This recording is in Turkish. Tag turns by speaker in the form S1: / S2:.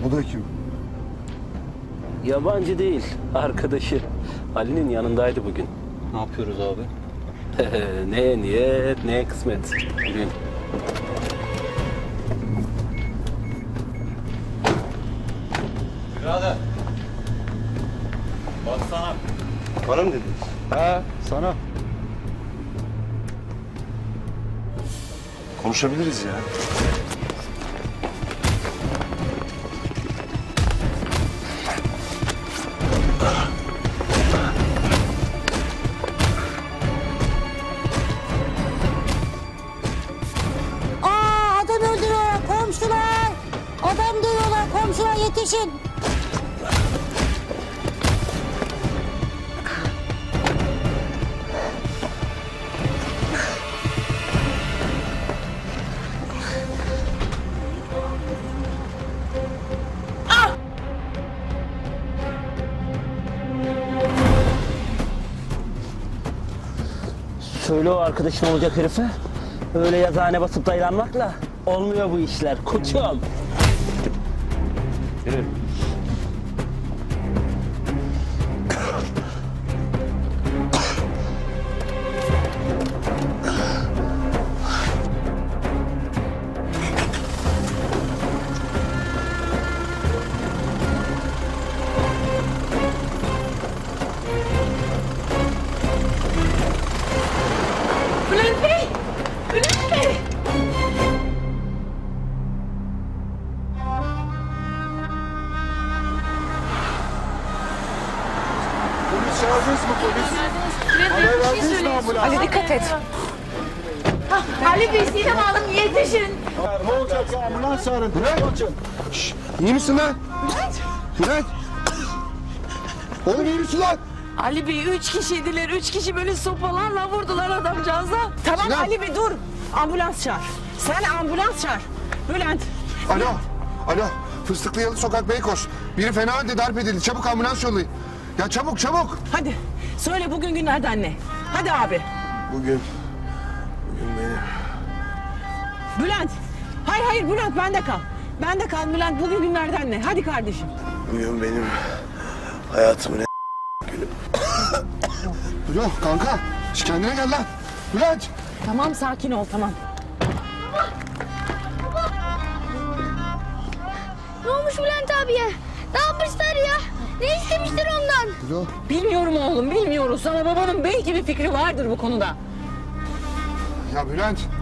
S1: O da kim?
S2: Yabancı değil, arkadaşı. Ali'nin yanındaydı bugün.
S3: Ne yapıyoruz abi?
S2: Neye niyet, neye kısmet. Bugün.
S3: Birader. Baksana.
S1: Bana mı dediniz?
S3: He, sana.
S1: Konuşabiliriz ya.
S4: Adam öldürüyorlar komşular. Adam dövüyorlar komşular, yetişin.
S2: Söyle o arkadaşın olacak herife. Öyle yazıhane basıp daylanmakla olmuyor bu işler koçum. Yürü.
S5: Bülent Bey! Bülent Bey!
S1: Polis çağırdınız mı polis?
S5: Bülent Bey bir şey
S1: verdiniz mi
S5: söyleyeyim.
S1: ambulans?
S5: Ali dikkat et. Ali Bey Sinem Hanım yetişin.
S1: Ne olacak ya, ambulans çağırın. Bülent! Şşş, iyi misin lan? Bülent! Oğlum iyi misin lan?
S6: Ali Bey 3 kişiydiler. 3 kişi böyle sopalarla vurdular adamcağıza. Tamam
S1: Sinan.
S6: Ali Bey dur. Ambulans çağır. Sen ambulans çağır. Bülent.
S1: Alo, alo. Fıstıklıyalı Sokak Beykoz. Biri fena halde darp edildi. Çabuk ambulans yollayın. Ya çabuk, çabuk.
S6: Hadi söyle bugün günlerden ne? Hadi abi.
S1: Bugün benim.
S6: Bülent. Hayır Bülent bende kal. Bende kal Bülent. Bugün günlerden ne? Hadi kardeşim.
S1: Bugün benim hayatımın en günü. Alo kanka. Şş, kendine gel lan. Bülent.
S6: Tamam sakin ol tamam.
S4: Ne olmuş Bülent abiye? Ne yapmışlar ya? Ne istemişler ondan?
S1: Alo.
S6: Bilmiyorum oğlum bilmiyoruz. Ama babanın belki bir fikri vardır bu konuda.
S1: Ya Bülent.